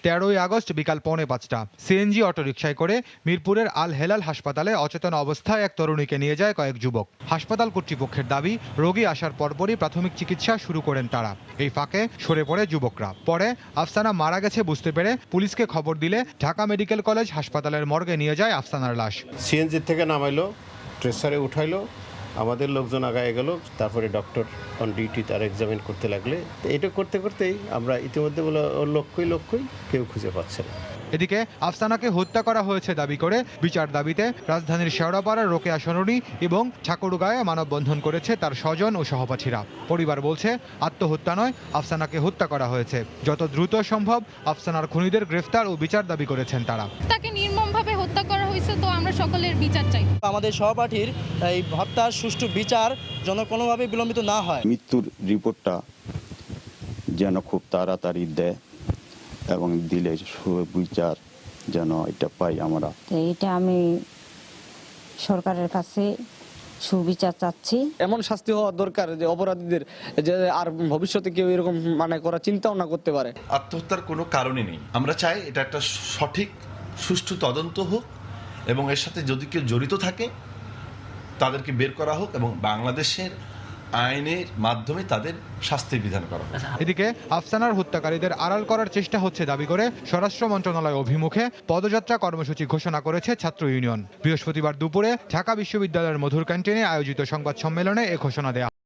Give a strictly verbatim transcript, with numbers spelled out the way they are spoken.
তেরোই আগস্ট বিকাল পৌনে পাঁচটা সিএনজি অটোরিকশায় করে মিরপুরের আল হেলাল হাসপাতালে অচেতন অবস্থায় এক তরুণীকে নিয়ে যায় কয়েক যুবক। হাসপাতাল কর্তৃপক্ষের দাবি, রোগী আসার পরপরই প্রাথমিক চিকিৎসা শুরু করেন তারা। এই ফাঁকে সরে পড়ে যুবকরা। পরে আফসানা মারা গেছে বুঝতে পেরে পুলিশকে খবর দিলে ঢাকা মেডিকেল কলেজ হাসপাতালের মর্গে নিয়ে যায় আফসানার লাশ। সিএনজি থেকে নামাইলো, ট্রেসারে উঠাইলো, আমাদের লোকজন আগায় গেল, তারপরে ডক্টর অন ডিউটি তার এক্সামিন করতে লাগলে এটা করতে করতেই আমরা ইতিমধ্যে বলে ওর লক্ষ্যই লক্ষ্যই কেউ খুঁজে পাচ্ছে না। এদিকে আফসানাকে হত্যা করা হয়েছে দাবি করে বিচার দাবিতে রাজধানীর শেওড়াপাড়ার রোকেয়া সরণি এবং ঠাকুরগাঁয়ে মানববন্ধন করেছে তার স্বজন ও সহপাঠীরা। পরিবার বলছে, আত্মহত্যা নয়, আফসানাকে হত্যা করা হয়েছে। যত দ্রুত সম্ভব আফসানার খুনিদের গ্রেফতার ও বিচার দাবি করেছেন তারা। তাকে নির্মমভাবে হত্যা করা হয়েছে, তো আমরা সকলের বিচার চাই। আমাদের সহপাঠীর এই হত্যার সুষ্ঠু বিচার যেন কোনোভাবে বিলম্বিত না হয়। মৃত্যুর রিপোর্টটা যেন খুব তাড়াতাড়ি দেয় এবং দিলে সুবিচার যেন এটা পাই আমরা। এটা আমি সরকারের কাছে সুবিচার চাচ্ছি। এমন শাস্তি হওয়া দরকার যে অপরাধীদের যে আর ভবিষ্যতে কেউ এরকম মানে করার চিন্তাও না করতে পারে। আত্মহত্যার কোনো কারণই নেই। আমরা চাই এটা একটা সঠিক সুষ্ঠু তদন্ত হোক এবং এর সাথে যদি কেউ জড়িত থাকে তাদেরকে বের করা হোক এবং বাংলাদেশের আইনের মাধ্যমে তাদের শাস্তির বিধান করা হোক। এদিকে আফসানার হত্যাকারীদের আড়াল করার চেষ্টা হচ্ছে দাবি করে স্বরাষ্ট্র মন্ত্রণালয় অভিমুখে পদযাত্রা কর্মসূচি ঘোষণা করেছে ছাত্র ইউনিয়ন। বৃহস্পতিবার দুপুরে ঢাকা বিশ্ববিদ্যালয়ের মধুর ক্যান্টিনে আয়োজিত সংবাদ সম্মেলনে এ ঘোষণা দেয়া